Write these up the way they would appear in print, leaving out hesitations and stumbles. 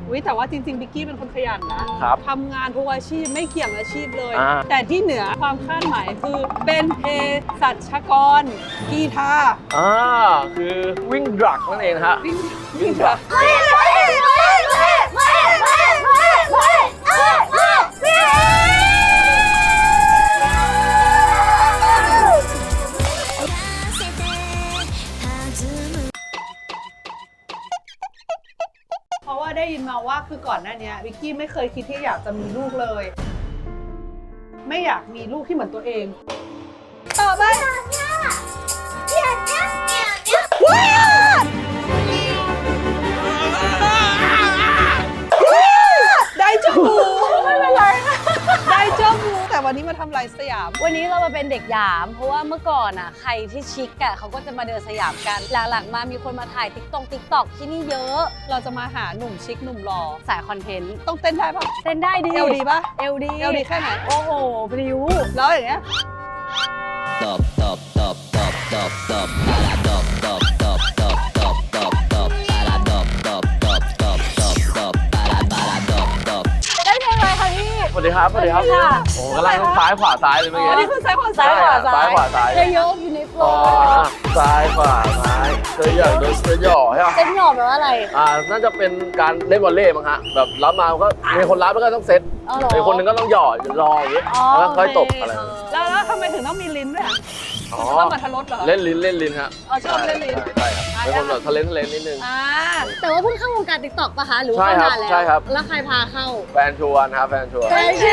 แต่ว่าจริงๆบิกกี้เป็นคนขยันนะครับทำงานทุกอาชีพไม่เกี่ยงอาชีพเลยแต่ที่เหนือความคาดหมายคือเป็นเภสัชกรกีฬาคือวิ่งดรักนั่นเองนะฮะวิ่งดรักเพราะว่าได้ยินมาว่าคือก่อนหน้านี้วิกกี้ไม่เคยคิดที่อยากจะมีลูกเลยไม่อยากมีลูกที่เหมือนตัวเองต่อไปได้เจ้าหมูไม่เป็นไรได้เจ้าหมูแต่วันนี้มาทำไรสยามวันนี้เรามาเป็นเด็กหยามเพราะว่าเมื่อก่อนใครที่ชิคเขาก็จะมาเดินสยามกันหลังๆมามีคนมาถ่ายติ๊กต็อกที่นี่เยอะเราจะมาหาหนุ่มชิคหนุ่มหล่อสายคอนเทนต์ต้องเต้นได้ปะเต้นได้ดิเอวดีปะเอวดีแค่ไหนโอ้โหพริ้วแล้วอย่างเงี้ยสวัสดีครับโอ้กำลังซ้ายขวาซ้ายเลยเมื่อกี้อันนี้คือซ้ายขวาซ้ายเยอะอยู่ในโฟล์ซ้ายขวาซ้ายเสื้อใหญ่เสื้อหย่อใช่ไหมเต้นหย่อแปลว่าอะไรน่าจะเป็นการเล่นวอลเลย์มั้งฮะแบบรับมาก็มีคนรับแล้วก็ต้องเซตอีกคนนึงก็ต้องหย่อรออย่างนี้แล้วค่อยตบอะไรแล้วทำไมถึงต้องมีลิ้นด้วยชอบมาทะลดเหรอเล่นลิ้นครับชอบเล่นลิ้นใช่ครับเป็นคนแบบทะเลนิดนึงแต่ว่าเพิ่งเข้าวงการติ๊กต็อกป่ะคะหรือว่าเข้านานแล้วใช่ครับแล้วใครพาเข้าแฟนชวนครับแฟนชื่อ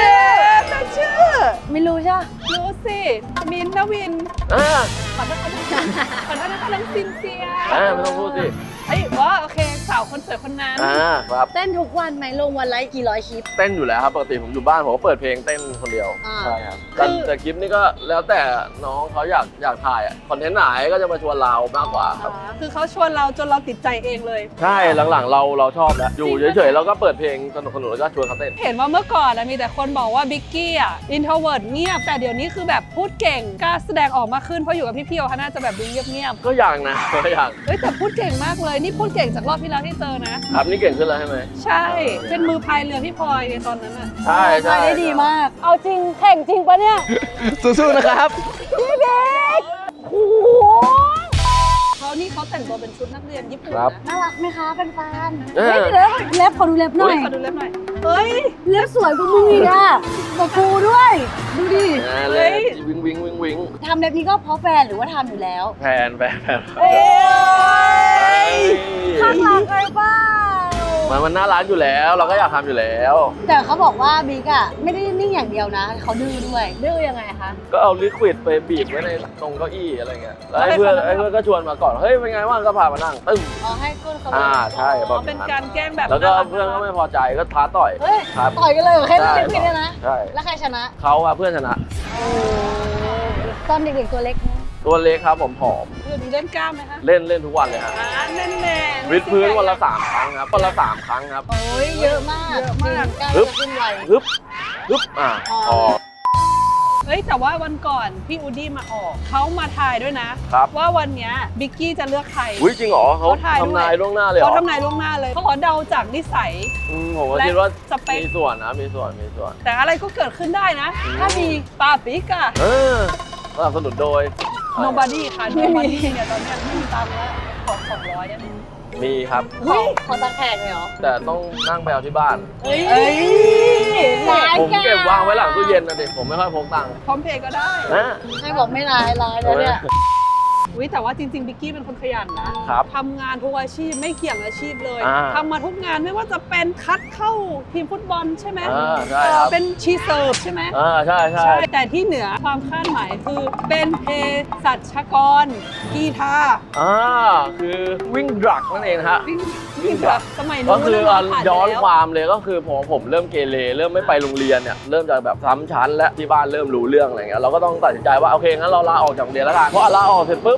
ไม่รู้ใช่รู้สิมินท์นวินขอโทษนะคะน้องซินเซียไม่ต้องพูดสิว่าโอเคสาวคนสวยคนนั้นครับเต้นทุกวันไหมลงวันละกี่ร้อยคลิปเต้นอยู่แล้วครับปกติผมอยู่บ้านผมก็เปิดเพลงเต้นคนเดียวใช่ครับแต่คลิปนี้ก็แล้วแต่น้องเขาอยากถ่ายคอนเทนต์ไหนก็จะมาชวนเรามากกว่าครับคือเขาชวนเราจนเราติดใจเองเลยใช่หลังๆเราชอบแล้วอยู่เฉยๆเราก็เปิดเพลงสนุกแล้วก็ชวนเขาเต้นเห็นว่าเมื่อก่อนมีแต่คนบอกว่าบิ๊กกี้อินโทรเวิร์ตเงียบแต่เดี๋ยวนี้คือแบบพูดเก่งกล้าแสดงออกมาขึ้นเพราะอยู่กับพี่ๆเขาน่าจะแบบดูเงียบก็อย่างนะก็อย่างแต่พูดเก่งมากเลยนี่พูดเก่งจากรอบที่แล้วที่เจอนะครับนี่เก่งขึ้นแล้วใช่ไหมใช่เป็นมือพายเรือพี่พลอยในตอนนั้นใช่ได้ดีมากเอาจริงแข่งจริงปะเนี่ยสู้ๆนะครับพี่เบกโอ้โหเขาแต่งตัวเป็นชุดนักเรียนญี่ปุ่นน่ารักไหมคะแฟนๆเล็บขอดูเล็บหน่อยเฮ้ยเล็บสวยกว่ามึงอีกกับกูด้วยดูดิวิงทำเล็บนี้ก็เพราะแฟนหรือว่าทำอยู่แล้วแฟนข้างหลังไอ้บ้ามันน่ารักอยู่แล้วเราก็อยากทำอยู่แล้วแต่เขาบอกว่าบิ๊กไม่ได้นิ่งอย่างเดียวนะเขาดื้อด้วยดื้อยังไงคะก็เอาลิควิดไปบีบไว้ในตรงเก้าอี้อะไรเงี้ยแล้วเพื่อนก็ชวนมาก่อนเฮ้ยเป็นไงว่างก็พามานั่งตึ้งให้ก้นเขาใช่เป็นการแกล้งแบบแล้วก็เพื่อนก็ไม่พอใจก็ท้าต่อยต่อยกันเลยแค่ลิควิดเนี่ยนะใช่แล้วใครชนะเขาเพื่อนชนะตอนเด็กๆตัวเล็กตัวเล็กครับผมผอมเล่นกล้ามไหมคะเล่นทุกวันเลยครับเล่นวิดพื้นวันละ3 ครั้งครับวันละ3 ครั้งครับโอ้ยเยอะมากกล้ามจะขึ้นไวฮึบแต่ว่าวันก่อนพี่อูดี้มาออกเขามาทายด้วยนะว่าวันนี้บิ๊กกี้จะเลือกใครจริงเหรอเขาทำนายล่วงหน้าเลยเขาทำนายล่วงหน้าเลยเขาขอเดาจากนิสัยผมคิดว่ามีส่วนนะมีส่วนแต่อะไรก็เกิดขึ้นได้นะถ้ามีปาปิกะสนับสนุนโดย Nobody ค่ะ Nobody เนี่ยตอนนี้ไม่มีตังค์แล้วขอ200ได้ไหมมีครับขอตังค์แขกเลยเหรอแต่ต้องนั่งไปเอาที่บ้านผมเก็บวางไว้หลังตู้เย็นนะดิผมไม่ค่อยพกตังค์พร้อมเพย์ก็ได้ให้บอกไม่ร้ายแล้วเนี่ยแต่ว่าจริงๆบิกกี้เป็นคนขยันนะทำงานทุกอาชีพไม่เกี่ยงอาชีพเลยทำมาทุกงานไม่ว่าจะเป็นคัดเข้าทีมฟุตบอลใช่ไหมเป็นชีเสิร์ฟใช่ไหมใช่แต่ที่เหนือความคาดหมายคือเป็นเภสัชกรกีฬาคือวิ่งดรักนั่นเองฮะวิ่งดรักสมัยนู้นก็คือย้อนความเลยก็คือผมเริ่มเกเรเริ่มไม่ไปโรงเรียนเนี่ยเริ่มจากแบบซ้ำชั้นและที่บ้านเริ่มรู้เรื่องอะไรเงี้ยเราก็ต้องตัดสินใจว่าโอเคงั้นเราลาออกจากโรงเรียนแล้วกันเพราะลาออกเสร็จปุ๊บ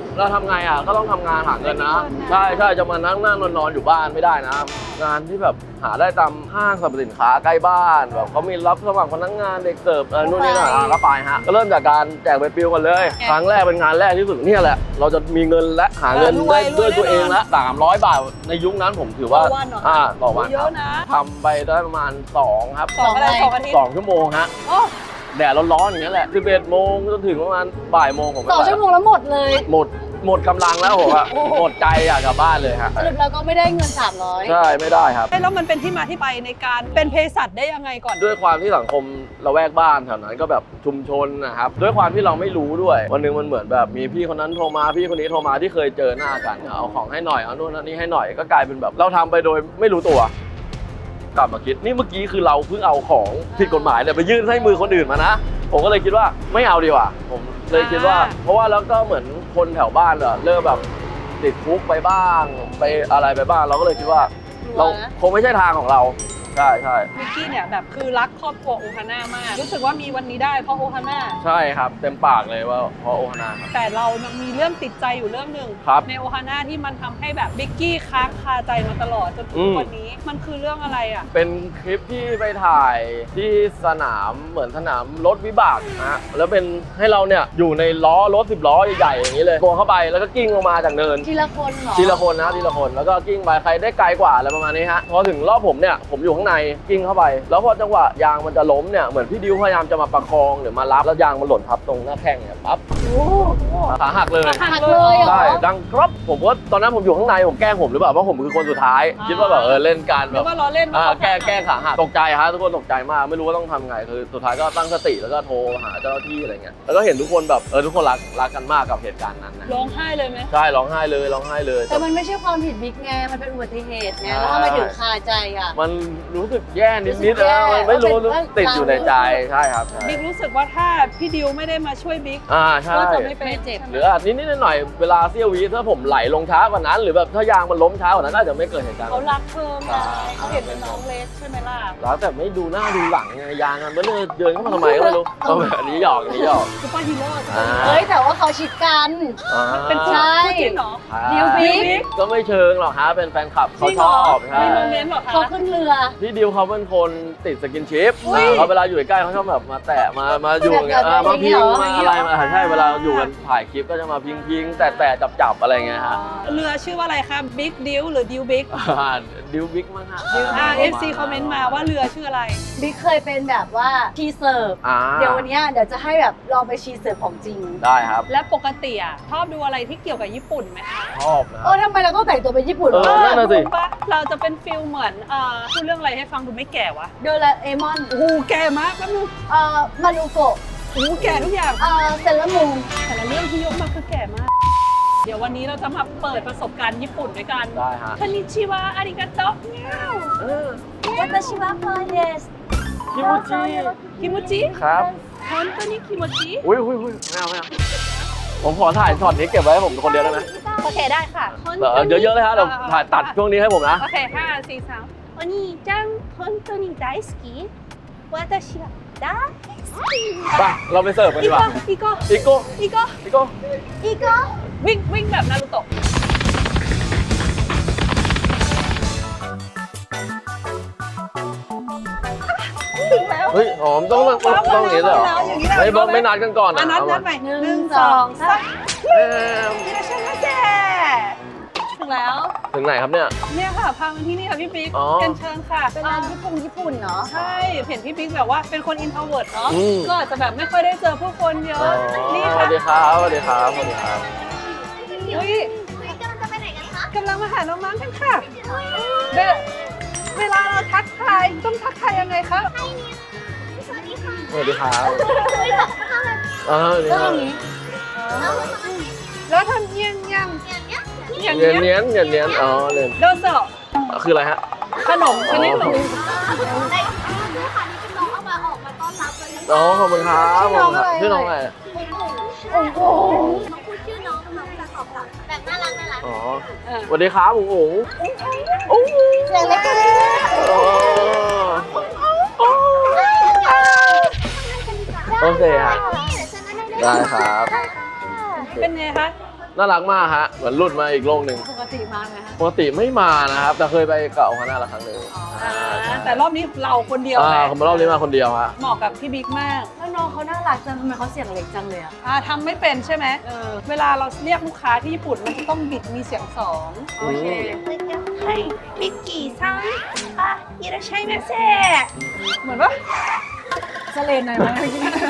เราทำไงอ่ะก็ต้องทำงานหาเงินนะใช่จะมานั่งนอนอยู่บ้านไม่ได้นะงานที่แบบหาได้ตามห้างสรรพสินค้าใกล้บ้านแบบเขามีรับสมัครพนักงานเด็กเสิร์ฟนู่นนี่นั่นก็ไปฮะก็เริ่มจากการแจกใบปลิวกันเลยครั้งแรกเป็นงานแรกที่สุดเนี่ยแหละเราจะมีเงินและหาเงินได้ด้วยตัวเองละ300 บาทในยุคนั้นผมถือว่าต่อวันครับทำไปได้ประมาณ2ครับ 2 ชั่วโมงฮะแดดร้อนๆอย่างนี้แหละ11 โมงจนถึงประมาณบ่ายโมงผม 2 ชั่วโมงแล้วหมดเลยหมดกำลังแล้วผมอะหมดใจอยากกลับบ้านเลยฮะสรุปเราก็ไม่ได้เงิน300 ใช่ไม่ได้ครับแล้วมันเป็นที่มาที่ไปในการเป็นเภสัชได้ยังไงก่อนด้วยความที่สังคมละแวกบ้านแถวนั้นก็แบบชุมชนนะครับด้วยความที่เราไม่รู้ด้วยวันนึงมันเหมือนแบบมีพี่คนนั้นโทรมาพี่คนนี้โทรมาที่เคยเจอหน้ากันเอาของให้หน่อยเอานู่นนั่นนี่ให้หน่อยก็กลายเป็นแบบเราทำไปโดยไม่รู้ตัวกลับมาคิดนี่เมื่อกี้คือเราเพิ่งเอาของผิดกฎหมายเนี่ยไปยื่นให้มือคนอื่นมานะผมก็เลยคิดว่าไม่เอาดีกว่าผมเลยคิดว่าเพราะว่าแล้วก็เหมือนคนแถวบ้านเริ่มแบบติดคุกไปบ้างไปอะไรไปบ้างเราก็เลยคิดว่าเราคงไม่ใช่ทางของเราใช่มิกกี้เนี่ยแบบคือรักครอบครัวโอฮาน่ามากรู้สึกว่ามีวันนี้ได้เพราะโอฮาน่าใช่ครับเต็มปากเลยว่าเพราะโอฮาน่าแต่เรามีเรื่องติดใจอยู่เรื่องหนึ่งในโอฮาน่าที่มันทำให้แบบมิกกี้ค้างคาใจมาตลอดจนถึงวันนี้มันคือเรื่องอะไรอ่ะเป็นคลิปที่ไปถ่ายที่สนามเหมือนสนามรถวิบากนะแล้วเป็นให้เราเนี่ยอยู่ในล้อรถ10 ล้อใหญ่ๆอย่างนี้เลยตัวเข้าไปแล้วก็กิ้งลงมาจากเนินทีละคนเหรอทีละคนนะทีละคนแล้วก็กิ้งไปใครได้ไกลกว่าอะไรประมาณนี้ฮะพอถึงรอบผมเนี่ยผมอยู่ข้างในกิ้งเข้าไปแล้วพอจังหวะยางมันจะล้มเนี่ยเหมือนพี่ดิวพยายามจะมาประคองหรือมารับแล้วยางมันหล่นทับตรงหน้าแข้งเนี่ยปั๊บขาหักเลยใช่ดังครับผมว่าตอนนั้นผมอยู่ข้างในผมแกล้งผมหรือเปล่าเพราะผมคือคนสุดท้ายคิดว่าแบบเล่นกันแบบว่าล้อเล่นแก้ขาหักตกใจฮะทุกคนตกใจมากไม่รู้ว่าต้องทำไงคือสุดท้ายก็ตั้งสติแล้วก็โทรหาเจ้าหน้าที่อะไรเงี้ยแล้วก็เห็นทุกคนแบบทุกคนรักกันมากกับเหตุการณ์นั้นนะร้องไห้เลยไหมใช่ร้องไห้เลยแต่มันไม่ใช่ความผิดบิ๊กไงมันเป็นอุบัติเหตุไงแล้วทำไมถึงคาใจอ่ะมันรู้สึกแย่นิดๆนะไม่รู้ติดอยู่ในใจใช่ครับบิ๊กรู้สึกว่าถ้าพี่ดิวไม่ได้มาช่วยบิ๊กใช่ก็จะไม่เป็นเจ็บหรือนิดๆหน่อยๆเวลาเสี้ยววิถ้าผมไหลลงช้ากว่านั้นหรือแบบถ้ายางมันล้มช้ากว่านั้นน่าจะไม่เกิดเหตุการณ์เขารักเพิ่มไงเขาเห็นเป็นน้องเล็กใช่ไหมล่ะรักแต่ไม่ดูหน้าดูหลังไงยางมันเดินเข้ามาทำไมก็ไม่รู้อันนี้หยอกซุปเปอร์ฮีโร่เฮ้ยแต่ว่าเขาชิดกันเป็นใช่จริงเหรอดิวบิ๊กก็ไม่เชิงหรอกฮะเป็นแฟนคลับเขาชอบใช่มีโมเมนต์หรอคะเขาขึ้นเรือพี่ดิวเขาเป็นคนติดสกินชิปเขาเวลาอยู่ใกล้เขาชอบแบบมาแตะมาอยู่อย่างเงี้ยมาพิงมาอะไรมาใช่เวลาอยู่กันถ่ายคลิปก็จะมาพิงแต่จับอะไรเงี้ยฮะเรือชื่อว่าอะไรคะบิ๊กดิวหรือดิวบิ๊กดิวบิ๊กมั้งฮะ FC คอมเมนต์มาว่าเรือชื่ออะไรบิ๊กเคยเป็นแบบว่าชีเสิร์ฟเดี๋ยววันนี้เดี๋ยวจะให้แบบลองไปชีเสิร์ฟของจริงได้ครับและปกติชอบดูอะไรที่เกี่ยวกับญี่ปุ่นไหมคะชอบนะทำไมเราต้องแต่งตัวเป็นญี่ปุ่นนั่นน่ะสิเราจะเป็นฟิลเหมือนพูดเรื่องอะไรให้ฟังดูไม่แก่วะโดราเอมอนโอ้แก่มากแป๊บนึงมารุโกะโอ้แก่ทุกอย่างเซเลมูนแต่ละเรื่องที่ยกมาคือแก่มากเดี๋ยววันนี้เราจะมาเปิดประสบการณ์ญี่ปุ่นด้วยกันได้ฮะคอนนิชิวะอาริกาโตะเงี้ยววาตาชิวะพอเดสคิโมจิครับฮอนตัวนี้คิโมจิอุ้ยไม่เอาผมขอถ่ายช็อตนี้เก็บไว้ให้ผมคนเดียวได้ไหมโอเคได้ค่ะเยอะๆเลยฮะเดี๋ยวถ่ายตัดช่วงนี้ให้ผมนะโอเค5 4 3お兄ちゃん本当に大好き私は大好きไปเราไปเสิร์ฟกันดีกว่าอีโก้วิ่งแบบนารูโตะถึงแล้วเฮ้ยหอมต้องอย่างนี้เลยเหรอไม่นัดกันก่อนนะนัดไป1 2 3ถึงแล้วถึงไหนครับเนี่ยค่ะพามาที่นี่ค่ะพี่ปิ๊กเชิญค่ะเป็นร้านญี่ปุ่นเนาะใช่เห็นพี่ปิ๊กแบบว่าเป็นคนอินโทรเวิร์ตเนาะก็อาจจะแบบไม่ค่อยได้เจอผู้คนเยอะนี่ค่ะสวัสดีครับอุ้ยกำลังจะไปไหนกันคะกำลังมาหาน้องๆกันค่ะเวลาเราทักทายต้องทักทายยังไงคะสวัสดีครับแล้วทำเงี้ยเนียนเลยโดโซะคืออะไรฮะขนมชนิดหนึ่งขอบคุณครับชื่อน้องอะไรโอ้โหน้องพูดชื่อน้องจะตอบกลับแบบน่ารักสวัสดีครับอุ๋งเสียงเล็กโอเคครับได้ครับเป็นไงคะน่ารักมากฮะเหมือนหลุดมาอีกโลกหนึ่งปกติมาไหมคะปกติไม่มานะครับแต่เคยไปกับโอฮาน่าละครั้งหนึ่งแต่รอบนี้เราคนเดียวไงผมมารอบนี้มาคนเดียวฮะเหมาะกับพี่บิ๊กมากแล้วน้องเขาน่ารักจังทำไมเขาเสียงเล็กจังเลยอะทำไม่เป็นใช่ไหมเวลาเราเรียกลูกค้าที่ญี่ปุ่นมันจะต้องบิดมีเสียงสองโอเคให้มิกกี้ซังอิราชัยมาเซ่เหมือนว่าสเลนหน่อยไหม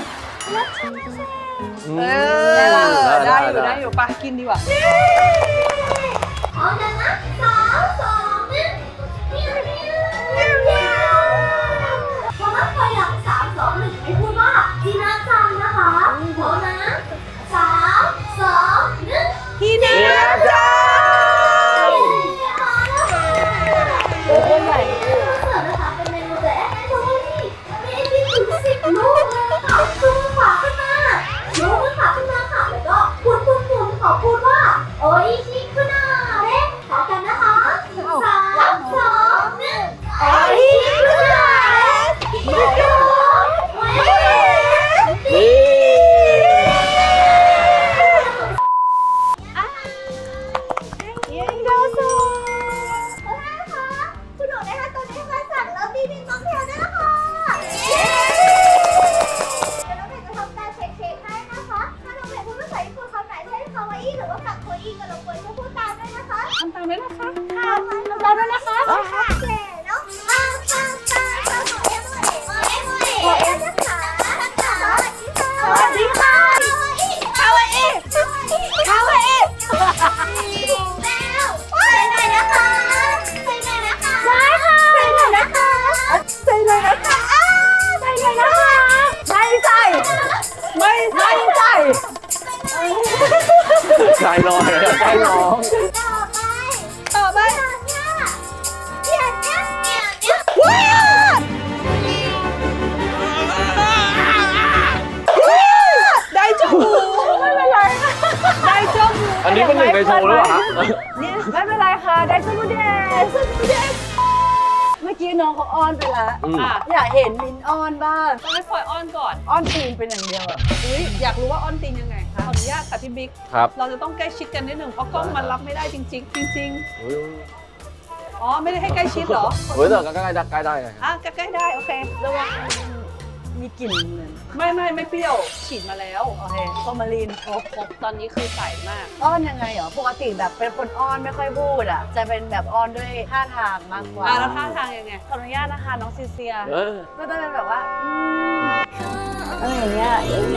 ได้อยู่ปะกินดีกว่าพร้อมกันนะ3 2 1พอนับถอยหลัง3 2 1ให้พูดว่าจีน่าจังนะคะพร้อมนะ3 2 1 พี่นาจ้าโอ้โหใหญ่เสิร์ฟนะคะเป็นเมนูแต่แอนโทนี่มีไอติมถึง10 ลูกเลยค่ะชูมือขวาขึ้นมาชูมือขวาขึ้นมาค่ะแล้วก็หมุนขอพูดว่าโออิชิคุนาเร่ขอกันนะคะ3 2 1โออิชิคุนาเร่นี่ยิงโดซูนะคะคุณหนูนะคะตอนนี้มาสั่งแล้วบีบีม็อกเทลด้วยนะคะเดี๋ยวน้องเพจจะทำการเช็คให้นะคะ ถ้าน้องเพจพูดภาษาญี่ปุ่นคำไหนเช่นคาวาอิหรือว่ากักโคอิก็รบกวนช่วยพูดตามด้วยนะคะทำตามด้วยนะคะค่ะเราด้วยนะคะค่ะเจ๋เนาะปังของเอ็มนะคะสวัสดีค่ะคาวาอิแล้วใส่หน่อยนะคะได้ค่ะใส่หน่อยนะคะใจน้อยใจน้องต่อไป ได้จมูกไม่เป็นไรได้จมูกอันนี้เป็นหนึ่งในโชว์หรือเปล่าฮะนี่ไม่เป็นไรค่ะ ได้สมุดเดสเมื่อกี้น้องเขาอ้อนไปแล้วอยากเห็นมินอ้อนบ้างต้องให้พลอยอ้อนก่อนอ้อนตีนเป็นอย่างเดียวอะอยากรู้ว่าอ้อนตีนยังไงคะขออนุญาตค่ะพี่บิ๊กครับเราจะต้องใกล้ชิดกันนิดหนึ่งเพราะกล้องมันรับไม่ได้จริงๆอ๋อไม่ได้ให้ใกล้ชิดเหรอเฮ้ยแต่ก็ใกล้ได้ไงใกล้ๆได้โอเคระวังมีกลิ่นเหมือนไม่เปรี้ยวฉีดมาแล้วโอเคฟอร์มาลีนครบตอนนี้คือใสมากอ้อนยังไงเหรอปกติแบบเป็นคนอ้อนไม่ค่อยพูดอ่ะจะเป็นแบบอ้อนด้วยท่าทางมากกว่าแล้วท่าทางยังไงขออนุญาตนะคะน้องซีเซียเออก็จะเป็นแบบว่าอะไรอย่างเงี้ย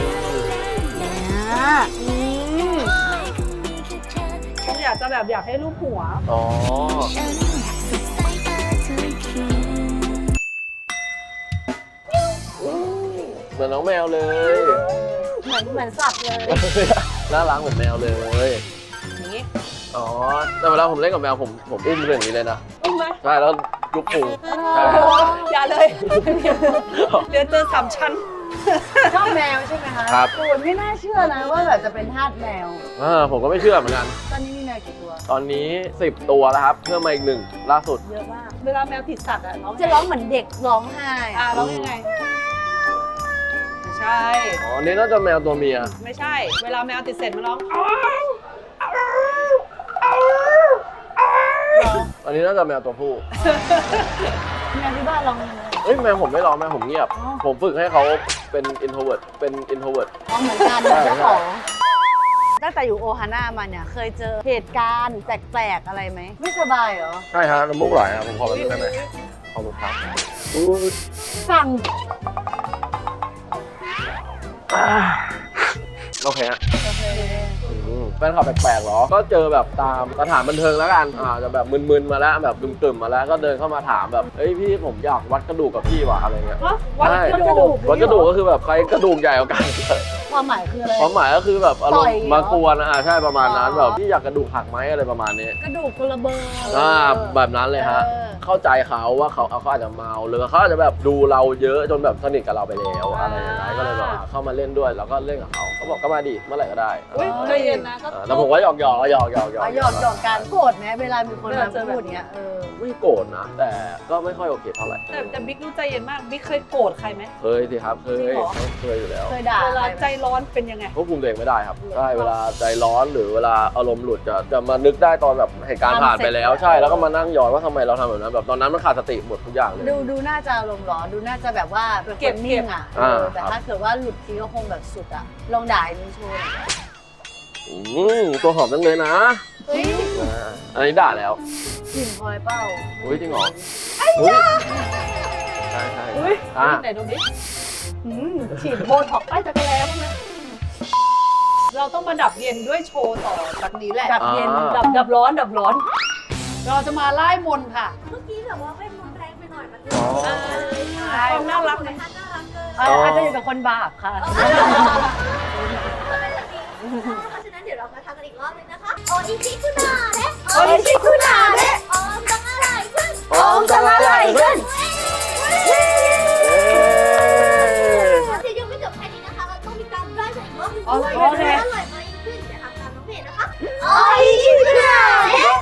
อยากให้รูปหัวอ๋อเหมือนน้องแมวเลยเหมือนสัตว์เลยน่ารักเหมือนแมวเลยอย่างนี้อ๋อแต่เวลาผมเล่นกับแมวผมอุ้มเรื่องนี้เลยนะอุ้มไหมใช่แล้วยุบพุงใช่อย่าเลย เดี๋ยวเจอ3 ชั้นชอบแมวใช่ไหมคะครับโอ้ยไม่น่าเชื่อนะว่าแบบจะเป็นทาสแมวผมก็ไม่เชื่อเหมือนกันตอนนี้มีแมวกี่ตัวตอนนี้ 10 ตัวแล้วครับเพิ่มมาอีก1ล่าสุดเยอะมากเวลาแมวผิดสัตว์อ่ะน้องจะร้องเหมือนเด็กร้องไห้ร้องยังไงไม่ใช่อ๋ออันนี้น่าจะแมวตัวเมียไม่ใช่ เวลาแมวติดเสร็จมันร้องอันนี้น่าจะแมวตัวผู้แมวที่บ้านร้องยังไงเอ้ยแมวผมไม่ร้องแมวผมเงียบอ๋อผมฝึกให้เขาเป็น introvert เป็น introvert ร้องเหมือนกันเหมือนเจ้าของตั้งแต่อยู่โอฮาน่ามาเนี่ยเคยเจอเหตุการณ์แปลกๆอะไรไหมไม่สบายเหรอใช่ฮะน้ำมูกไหลครับผมขอแบบนี้ได้ไหมขอบคุณครับสั่งโอเคฮะโอเคแฟนคลับแปลกๆเหรอ ก็เจอแบบตามสถานบันเทิงแล้วกันจะแบบมึนๆมาแล้วแบบกึ่มๆมาแล้วก็เดินเข้ามาถามแบบเฮ้ยพี่ผมอยากวัดกระดูกกับพี่ว่ะอะไรเงี้ยวัดใช่กระดูกวัดกระดูกก็คือแบบใครกระดูกใหญ่กว่ากันความหมายคืออะไรความหมายก็คือแบบอารมต่อยณ์เหรอมากวนใช่ประมาณนั้นอ๋อแบบพี่อยากกระดูกหักไหมอะไรประมาณนี้กระดูกคนละเบอร์แบบนั้นเลยฮะเออเข้าใจเขาว่าเขาอาจจะเมาหรือเขาอาจจะแบบดูเราเยอะจนแบบสนิทกับเราไปแล้วอะไรอย่างเงี้ยก็เลยแบบเข้ามาเล่นด้วยแล้วก็เล่นกับเขาบอกก็มาดิเมื่อไหร่ก็ได้อุ้ยใจเย็นนะก็แต่ผมว่าหยอกๆแล้วหยอกหยอกกันโกรธไหมเวลามีคนมาพูดอย่างเงี้ยไม่โกรธนะ แต่ก็ไม่ค่อยโอเคเท่าไหร่แต่บิ๊กรู้ใจเย็นมากบิ๊กเคยโกรธใครไหมเคยสิครับเคยจริงเหรอเคยอยู่แล้วเคยด่าเวลาใครไหมใจร้อนเป็นยังไงควบคุมตัวเองไม่ได้ครับใช่เวลาใจร้อนหรือเวลาอารมณ์หลุดจะมานึกได้ตอนแบบเหตุการณ์ผ่านไปแล้วใช่แล้วก็มานั่งย้อนว่าทำไมเราทำแบบนั้นแบบตอนนั้นมันขาดสติหมดทุกอย่างเลยดูน่าจะอารมณ์ร้อนดูน่าจะแบบว่าเป็นคนนิ่งอ่ะแต่ถ้าเกิดว่าหลุดทีก็คงแบบสุดอ่ะลองด่าในโชว์ตัวหอมจังเลยนะอันนี้ด่าแล้วกลิ่นพลอยเป้าอุ้ยจริงเหรอใช่ไหนดูดิฉีดโบท็อกใต้จักรแล้บ้างนะเราต้องมาดับเย็นด้วยโชว์ต่อจากนี้แหละดับเย็นดับร้อนเราจะมาไล่มนค่ะเมื่อกี้แบบว่าไม่มนแรงไปหน่อยมันความน่ารักไหมน่ารักเกินอาจจะอยู่กับคนบาปค่ะเพราะฉะนั้นเดี๋ยวเรามาทำกันอีกรอบนึงนะคะโออิชิคุนาเนะโออิชิคุนาเนะโอมจังอะไรขึ้นโอมจังอะไรขึ้นจะยังไม่จบแค่นี้นะคะเราต้องมีการไล่อีกรอบนึงด้วยอร่อยไหมขึ้นเดี๋ยวทำตามน้องเพจนะคะโออิชิคุนาเนะ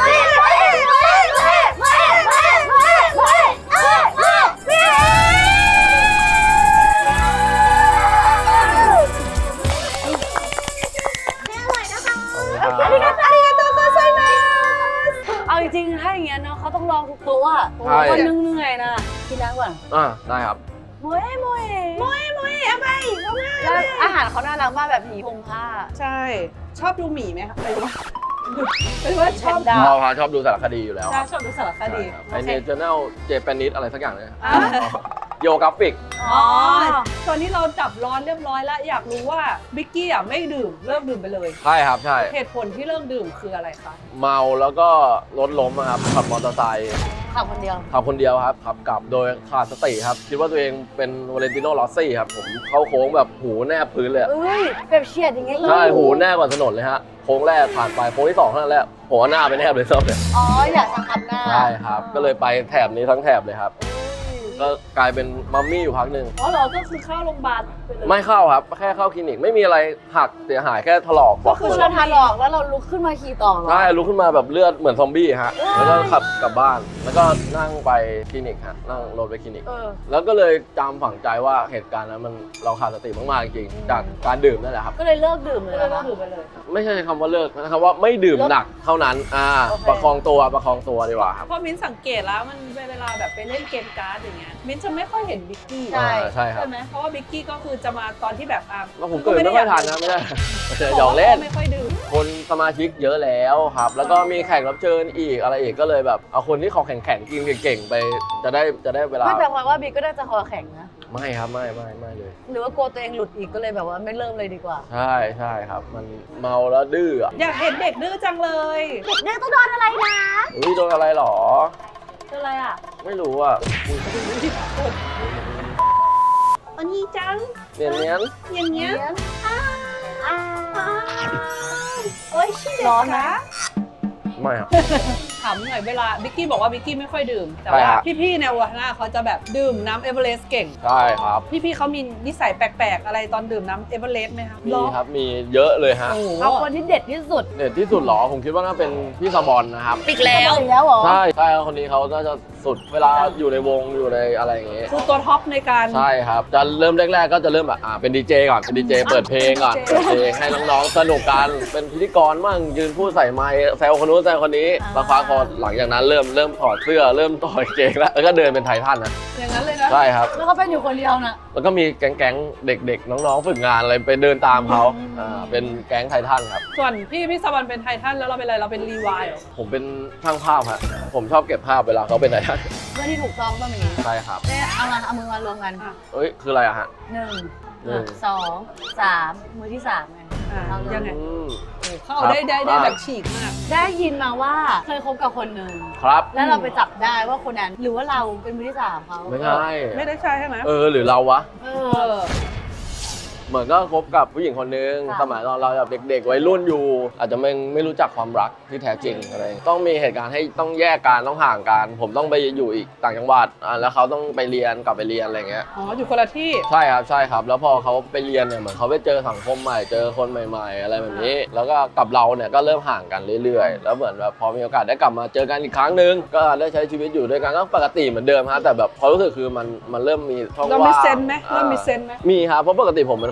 เอาจริงๆถ้าอย่างเงี้ยเนาะเขาต้องลองทุกตัวคนนึงเหนื่อยนะกินน้ำก่อนได้ครับโมเอะอะไรแล้วอาหารเขาน่ารักมากแบบหมีพงผ้าใช่ชอบดูหมีไหมคะเป็นว่าชอบชอบดูสารคดีอยู่แล้วชอบดูสารคดีไอเนเจอร์แนลเจแปนิสอะไรสักอย่างเลยโยกราฟิกตอนนี้เราจับร้อนเรียบร้อยแล้วอยากรู้ว่าบิกกี้ไม่ดื่มเลิกดื่มไปเลยใช่ครับใช่เหตุผลที่เลิกดื่มคืออะไรคะเมาแล้วก็รถล้มครับขับมอเตอร์ไซค์ขับคนเดียวครับขับกลับโดยขาดสติครับคิดว่าตัวเองเป็นวาเลนติโน่ลอสซี่ครับผมเข้าโค้งแบบหูแนบพื้นเลยแบบเฉียดอย่างเงี้ยใช่หูแนบกว่าถนนเลยฮะโค้งแรกผ่านไปโค้งที่2เท่านั้นแหละหัวหน้าไปแนบเลยซ้ำเลยอยากสังขับหน้าใช่ครับก็เลยไปแถบนี้ทั้งแถบเลยครับก็กลายเป็นมัมมี่อยู่พักหนึ่งเราก็คือเข้าโรงพยาบาลไม่เข้าครับแค่เข้าคลินิกไม่มีอะไรหักเสียหายแค่ถลอกก็คือเราถลอกแล้วเราลุกขึ้นมาขี่ต่อใช่ลุกขึ้นมาแบบเลือดเหมือนซอมบี้ฮะแล้วก็ขับกลับบ้านแล้วก็นั่งไปคลินิกฮะนั่งรถไปคลินิกแล้วก็เลยจำฝังใจว่าเหตุการณ์นั้นมันเราขาดสติมากๆจริงๆจากการดื่มนั่นแหละครับก็เลยเลิกดื่มเลยไม่ใช่คำว่าเลิกนะครับว่าไม่ดื่มหนักเท่านั้นประคองตัวดีกว่าครับเพราะมิ้นสังเกตแล้วมันเวลาแบบไปเล่นเกมการ์ดอย่างเงี้ยมิ้นจะไม่ค่อยเห็นบิกกี้ใช่ครับใช่ไหมเพราะว่าบิกกี้ก็คือจะมาตอนที่แบบแล้วผมเกิดไม่ค่อยทันนะไม่ได้หยอกเล่นไม่ค่อยดื่มคนสมาชิกเยอะแล้วครับแล้วก็มีแขกรับเชิญอีกอะไรอีกก็เลยแบบเอาคนที่คอแข็งกินเก่งๆไปจะได้เวลาไม่แต่ว่าบิ๊กก็น่าจะคอแข็งนะไม่ครับไม่เลยหรือว่ากลัวตัวเองหลุดอีกก็เลยแบบว่าไม่เริ่มเลยดีกว่าใช่ครับมันเมาแล้วดื้ออยากเห็นเด็กดื้อจังเลยเด็กดื้อต้องโดนอะไรนะโดนอะไรหรอโดนอะไรไม่รู้อันนี้จังเนียนโอ้ยชิร้อนนะไม่ครับถามหน่อยเวลาบิกกี้บอกว่าบิกกี้ไม่ค่อยดื่มแต่ว่าพี่ๆในวัฒนาเขาจะแบบดื่มน้ำเอเวอเรสต์เก่งใช่ครับพี่ๆเขามีนิสัยแปลกๆอะไรตอนดื่มน้ำเอเวอเรสต์ไหมครับมีครับมีเยอะเลยฮะเอาคนที่เด็ดที่สุดหรอผมคิดว่าน่าเป็นพี่สบอนนะครับอีกแล้วเหรอใช่คนนี้เขาน่าจะสุดเวลาอยู่ในวงอยู่ในอะไรอย่างเงี้ยคือตัวท็อปในการใช่ครับจะเริ่มแรกๆก็จะเริ่มแบบเป็นดีเจก่อนเป็นดีเจเปิดเพลงก่อนเปิดเพลงให้น้องๆสนุกกันเป็นพิธีกรมั่งยืนพูดใส่ไมค์แซวคนนู้นแซวคนนี้สักพักพอหลังจากนั้นเริ่มถอดเสื้อเริ่มต่อยเกงแล้วก็เดินเป็นไททันนะอย่างนั้นเลยนะใช่ครับแล้วเขาเป็นอยู่คนเดียวนะแล้วก็มีแก๊งเด็กๆน้องๆฝึกงานอะไรไปเดินตามเขาเป็นแก๊งไททันครับส่วนพี่สวรรค์เป็นไททันแล้วเราเป็นอะไรเราเป็นรีวายเหรอผมเป็นช่างภาพฮะผมชอบเก็บภาพเวลาเขาเป็นไททันเรื่องที่ถูกต้องต้องอย่างนี้ใช่ครับเอามือมารวมกันคืออะไรอะฮะ 1 2 3มือที่3ไงยังไงเขาได้แบบฉีกมากได้ยินมาว่าเคยคบกับคนหนึ่งครับแล้วเราไปจับได้ว่าคนนั้นหรือว่าเราเป็นมือที่3เขาไม่ใช่ใช่ใช่ไหมหรือเราวะเหมือนก็คบกับผู้หญิงคนนึงสมัยเราแบบเด็กๆวัยรุ่นอยู่อาจจะไม่รู้จักความรักที่แท้จริงอะไรต้องมีเหตุการณ์ให้ต้องแยกกันต้องห่างกันผมต้องไปอยู่อีกต่างจังหวัดแล้วเขาต้องไปเรียนกลับไปเรียนอะไรเงี้ยอยู่คนละที่ใช่ครับแล้วพอเขาไปเรียนเนี่ยเหมือนเขาไปเจอสังคมใหม่เจอคนใหม่ๆอะไรแบบนี้แล้วก็กับเราเนี่ยก็เริ่มห่างกันเรื่อยๆแล้วเหมือนแบบพอมีโอกาสได้กลับมาเจอกันอีกครั้งนึงก็ได้ใช้ชีวิตอยู่ด้วยกันก็ปกติเหมือนเดิมฮะแต่แบบความรู้สึกคือมันเริ่มมีช่องว่างเรามีเซนไหมมีครับเพราะปกติผมเป็น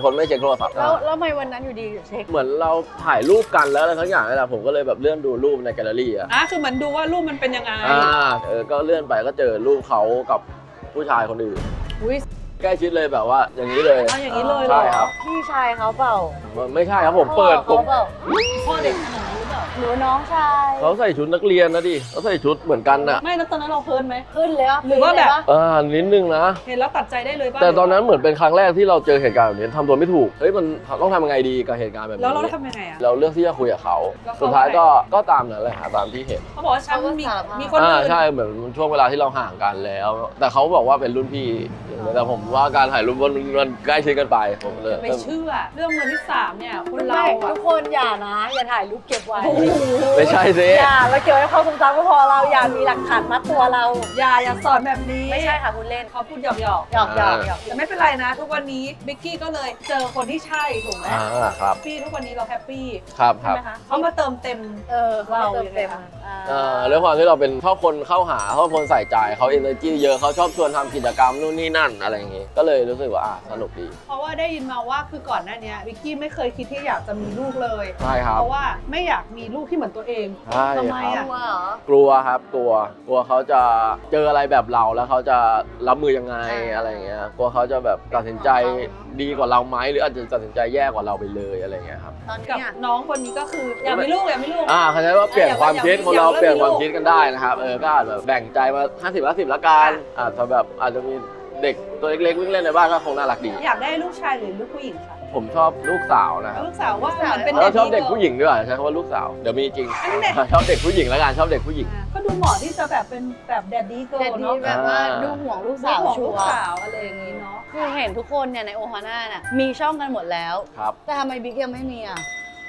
คนไม่เช็คโทรศัพท์แล้วทำไมวันนั้นอยู่ดีเช็คเหมือนเราถ่ายรูปกันแล้วอะไรทั้งอย่างนี่แหละผมก็เลยแบบเลื่อนดูรูปในแกลเลอรี่อะคือเหมือนดูว่ารูปมันเป็นยังไงก็เลื่อนไปก็เจอรูปเขากับผู้ชายคนอื่นอุ้ยใกล้ชิดเลยแบบว่าอย่างนี้เลยเอาอย่างนี้เลยเหรอใช่ครับพี่ชายเขาเปล่าไม่ใช่ครับผมเปิดเขาเปล่าพ่อเด็กขนาดนี้หรือเปล่าหรือน้องชายเขาใส่ชุดนักเรียนนะดิเขาใส่ชุดเหมือนกันน่ะไม่แล้วตอนนั้นเราเพลินไหมขึ้นเลยะหรือว่าแบบนิดนึงนะเห็นแล้วตัดใจได้เลยป่ะแต่ตอนนั้นเหมือนเป็นครั้งแรกที่เราเจอเหตุการณ์แบบนี้ทำตัวไม่ถูกเฮ้ยมันต้องทำยังไงดีกับเหตุการณ์แบบนี้แล้วเราทำยังไงอ่ะเราเลือกที่จะคุยกับเขาแล้วเขาสุดท้ายก็ตามนั้นเลยตามที่เห็นเขาบอกว่าฉันมีคนอื่นใช่เหมือนช่วงเวลาที่เราห่างกันแล้ว แต่เขาบอกว่าเป็นรุ่นพี่แต่ผมว่าการถ่ายรูปมันใกล้ชิดกันไปผมเลยไม่เชื่อเรื่องมือที่3เนี่ยคนไม่เราอ่ะทุกคนอย่านะ อย่าถ่ายรูปเก็บไว้ไม่ใช่สิอย่าเราเก็บไว้ความทรงจำก็พอเราอย่ามีหลักฐานมัดตัวเราอย่าสอนแบบนี้ไม่ใช่ค่ะคุณเล่นเขาพูดหยอกหยอกหยอกหยอกแต่ไม่เป็นไรนะ ทุกวันนี้บิกกี้ก็เลยเจอคนที่ใช่ถูกไหมครับพี่ทุกวันนี้เราแฮปปี้ครับคใช่รับไหมคะเขามาเติมเต็มเราเติมเต็มด้วยความที่เราเป็นชอบคนเข้าหาชอบคนใส่ใจเขาเอเนอร์จีเยอะเขาชอบชวนทำกิจกรรมนู่นนี่นั่นอะไรอย่างงี้ก็เลยรู้สึกว่าสนุกดีเพราะว่าได้ยินมาว่าคือก่อนหน้านี้บิกกี้ไม่เคยคิดที่อยากจะมีลูกเลยใช่ครับเพราะว่าไม่อยากมีลูกที่เหมือนตัวเองใช่ทำไมครัอะบว่าเหรอกลัวครับกลัวเขาจะเจออะไรแบบเราแล้วเขาจะรับมือยังไงอะไรอย่างเงี้ยกลัวเขาจะแบบตัดสินใจดีกว่าเราไหมหรืออาจจะตัดสินใจแย่กว่าเราไปเลยอะไรอย่างเงี้ยครับตอนนี้กับอะน้องคนนี้ก็คืออยากมีลูกเขาใช้ว่าเปลี่ยนความคิดคนเราเปลี่ยนความคิดกันได้นะครับก็อาจแบบแบ่งใจมา50-50ละกันอาจจะมีเด็กตัวเล็กๆวิ่งเล่นในบ้านก็คงน่ารักดีอยากได้ลูกชายหรือลูกผู้หญิงคะผมชอบลูกสาวนะครับลูกสาวว่าเหมือนเป็นแล้วชอบเด็กผู้หญิงด้วยใช้คำว่าลูกสาวเดี๋ยวมีจริง ชอบเด็กผู้หญิงแล้วกันชอบเด็กผู้หญิงก็ดูเหมาะที่จะแบบเป็นแบบแดดดี้เกิแต่ร์ลดีเนาะแบบว่าดูห่วงลูกสาวของชัลูวกร์สาวอะไรอย่างนี้เนาะคือเห็นทุกคนเนี่ยในโอฮาน่าเนี่ยมีช่องกันหมดแล้วครับแต่ทำไมบิ๊กยังไม่มีอ่ะ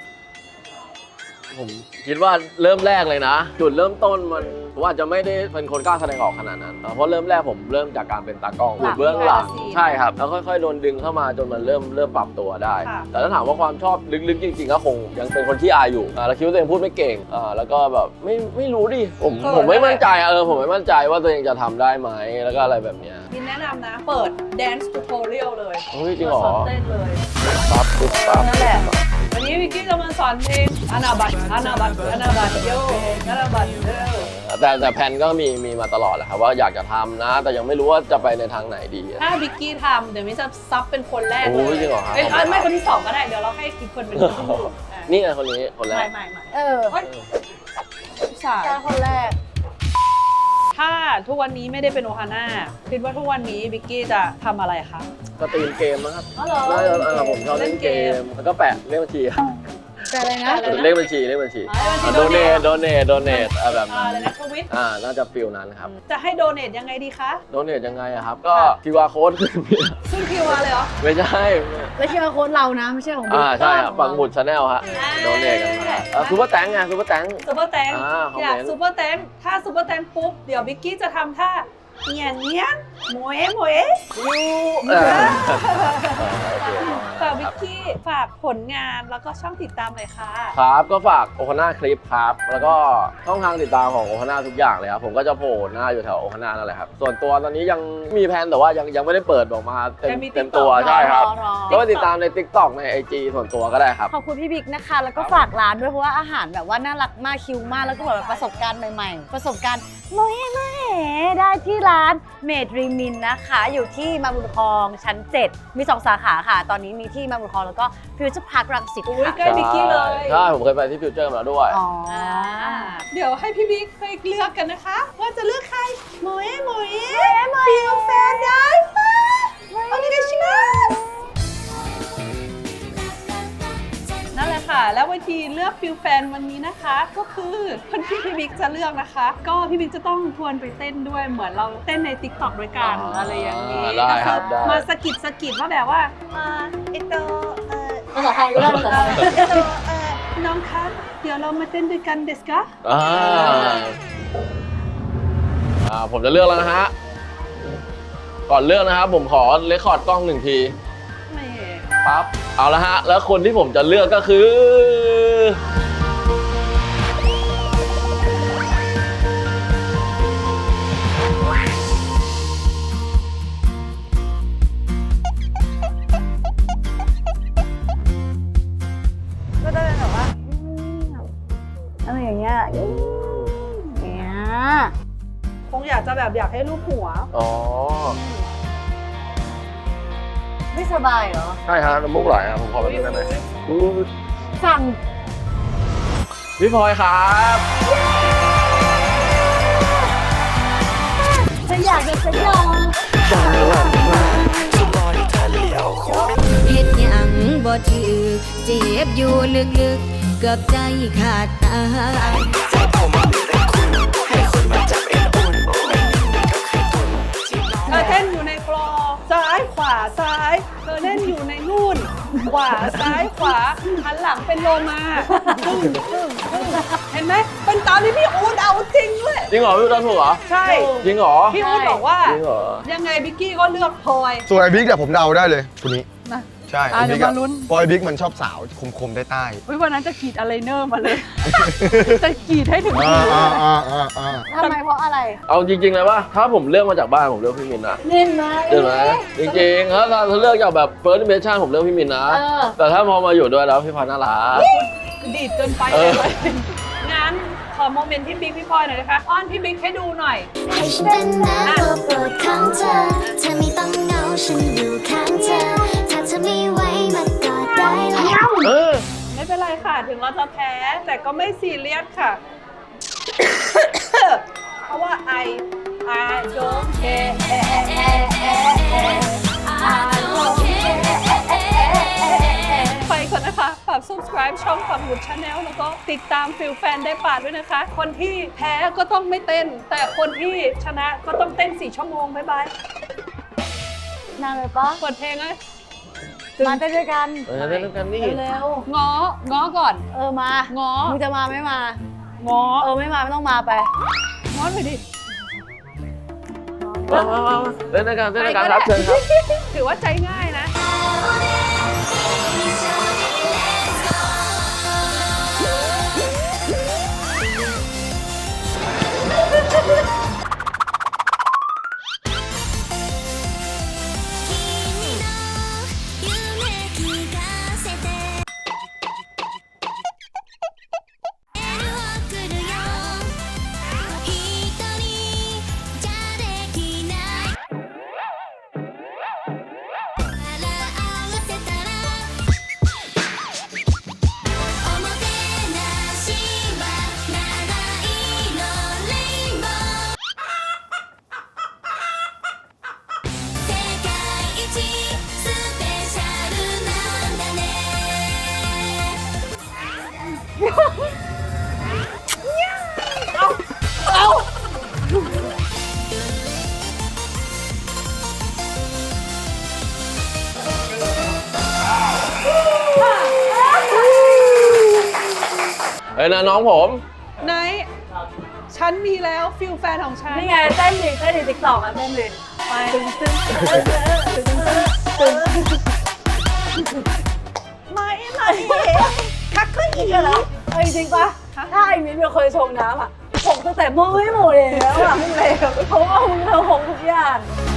ผมคิดว่าเริ่มแรกเลยนะ จุดเริ่มต้นมันผมอาจจะไม่ได้เป็นคนกล้าแสดงออกขนาดนั้น เพราะเริ่มแรกผมเริ่มจากการเป็นตากล้องอยู่เบื้องหลังใช่ครับแล้วค่อยๆโดนดึงเข้ามาจนมันเริ่มปรับตัวได้ แต่ถ้าถามว่าความชอบลึกๆจริงๆก็คงยังเป็นคนที่อายอยู่แล้วคิดว่าตัวเองพูดไม่เก่งแล้วก็แบบไม่รู้ดิผมไม่มั่นใจผมไม่มั่นใจว่าตัวเองจะทำได้ไหมแล้วก็อะไรแบบเนี้ยมินแนะนำนะ เปิด dance tutorial เลยเฮ้ยจริงเหรอสอนเต้นเลยปั๊บปุ๊บปั๊บนั่นแหละ วันนี้วิกกี้จะมาสอนเพลงอานาบัตโยอานาบัตโยแต่แผนก็มีมาตลอดแหละครับว่าอยากจะทำนะ แต่ยังไม่รู้ว่าจะไปในทางไหนดีถ้าวิกกี้ทำเดี๋ยวมินจะซับเป็นคนแรกโอ้เลยจริงเหรอครับไม่คนที่2ก็ได้ เดี๋ยวเราให้อีกคนเป็นคนที่หนึ่งนี่ไงคนนี้คนแรกไม่ใช่คนแรกถ้าทุกวันนี้ไม่ได้เป็นโอฮาน่าคิดว่าทุกวันนี้วิกกี้จะทำอะไรคะสตรีมเกมนะครับอ๋อเหรอได้ผมชอบเล่นเกมแล้วก็แปะเลขบัญชีแต่อะไรนะเลขบัญชีโดเนทแบบนั้นอะไรนะทวิตน่าจะฟิลนั้นครับจะให้โดเนทยังไงดีคะโดเนทยังไงอะครับก็ QR code ขึ้นซึ่งคิวอาร์เลยเหรอไม่ใช่แล้วชื่อโค้ดเรานะไม่ใช่ของบิ๊กใช่ครับปังหมุดชาแนลฮะโดเนทกันมาซูเปอร์แตงไงซูเปอร์แตงซูเปอร์แตงคอมเมนต์อยากซูเปอร์แตงถ้าซูเปอร์แตงปุ๊บ เดี๋ยววิกกี้จะทำท่าเนียนโมเอะฝากวิกกี้ฝากผลงานแล้วก็ช่องติดตามเลยค่ะครับก็ฝากโอคาน่าคลิปครับแล้วก็ช่องทางติดตามของโอคาน่าทุกอย่างเลยครับผมก็จะโผล่หน้าอยู่แถวโอคาน่านั่นแหละครับส่วนตัวตอนนี้ยังมีแผนแต่ว่ายังไม่ได้เปิดออกมาเต็มตัวใช่ครับก็ไปติดตามใน TikTok ใน IG ส่วนตัวก็ได้ครับขอบคุณพี่บิ๊กนะคะ แล้วก็ฝากร้านด้วยเพราะว่าอาหารแบบว่าน่ารักมากคิวมากแล้วก็แบบประสบการณ์ใหม่ๆ ประสบการณ์โมเอะได้ที่ร้านเมดรีมินนะคะอยู่ที่มาบุญครองชั้น 7 มี 2 สาขาค่ะ ตอนนี้มีที่มาบุญครองแล้วก็ฟิวเจอร์พาร์ครังสิตอุ๊ยค่ะใกล้วิกกี้เลยใช่ผมเคยไปที่ฟิวเจอร์มาแล้วด้วยอ๋อเดี๋ยวให้พี่บิ๊กไปเลือกกันนะคะ ว่าจะเลือกใครโมเอะฟิลแฟนได้ปะโอเคชิมัสนั่นแหละค่ะ แล้ววิธีเลือกฟิลแฟนวันนี้นะคะ ก็คือคนที่พี่บิ๊กจะเลือกนะคะ ก็พี่บิ๊กจะต้องทวนไปเต้นด้วยเหมือนเราเต้นใน TikTok ด้วยกันอะไรอย่างนี้ได้ครับได้มาสะกิดว่าแบบว่าเอโตภาษาไทยก็ได้ภาษาไทยน้องคะเดี๋ยวเรามาเต้นด้วยกันเดสกะผมจะเลือกแล้วนะฮะก่อนเลือกนะครับผมขอเรคคอร์ดกล้อง1 ทีไม่ปั๊บเอาละฮะแล้วคนที่ผมจะเลือกก็คือแบบอยากให้รูปหัวอ๋อไม่สบายเหรอใช่ฮะน้ำมูกไหลครับผมขอแบบนี้ได้ไหมอุ๊ยสั่งพี่พลอยครับฉันอยากจะสยองเฮ็ดหยังบ่ถือเจ็บอยู่ลึกๆเกือบใจขาดตายเธอเต้นอยู่ในกรอซ้ายขวาซ้ายเธอเล่นอยู่ในนู่นขวาซ้ายขวาหันหลังเป็นโลมาเห็นไหมเป็นตามที่พี่อู๊ดเอาจริงด้วยจริงเหรอพี่ตอนถูกเหรอใช่จริงเหรอพี่อู๊ดบอกว่าจริงเหรอยังไงบิกกี้ก็เลือกพลอยส่วนไอ้บิ๊กเนี่ยผมเดาได้เลยคนนี้นะใช่เดี๋ยวมาลุ้นเพราะไอ้บิ๊กมันชอบสาวคมๆใต้วันนั้นจะกรีดอะไรเนอร์มาเลย จะกรีดให้ถึงๆมือทำไมเพราะอะไรเอาจริงๆเลยว่าถ้าผมเลือกมาจากบ้านผมเลือกพี่มินนะเล่นไหมเห็นไหมจริงๆถ้าเลือกจากแบบ first impression ผมเลือกพี่มินนะเออแต่ถ้าพอมาอยู่ด้วยแล้วพี่พลอยน่ารักดีดเกินไปเอเลอยงั้นขอโมเมนต์ที่บิ๊กพี่พลอยหน่อยนะคะอ้อนพี่บิ๊กให้ดูหน่อยให้ฉันเป็นน้ำตัวโปรดของเธอ เธอไม่ต้องเหงาฉันอยู่ข้างเธอ ถ้าเธอไม่ไหวมากอดได้แล้วเออไม่เป็นไรค่ะ ถึงเราจะแพ้ แต่ก็ไม่ซีเรียสค่ะ เพราะว่า I don't care I don't care ไปก่อนนะคะฝาก subscribe ช่องความหมุด Channel แล้วก็ติดตามฟิลแฟนได้ป่าด้วยนะคะ คนที่แพ้ก็ต้องไม่เต้น แต่คนที่ชนะก็ต้องเต้น4 ชั่วโมง บ๊ายบายนานเลยปะเปิดเพลงเลยมาเต้นด้วยกันเล่นกันนี่เร็วง้อก่อนๆเออมาง้อมึงจะมาไม่มาง้อเออไม่มาไม่ต้องมาไปง้อหน่อยดิมาเล่นด้วยกันครับเชิญครับถือว่าใจง่ายนะเฮ้ยนะน้องผมไหน ฉันมีแล้วฟิลแฟนของฉันนี่ไงเต้นดิติ๊กต็อกอ่ะเต้นดิไปตึงตึงตึงไม่คักขึ้นอีกเหรอเอ้ยจริงปะถ้าไอ้มิ้นเป็นคนชงน้ำอ่ะผมตั้งแต่เมื่อไม่หมดแล้วอ่ะมึงเลยเพราะว่ามึงเธอหงทุกอย่าง 「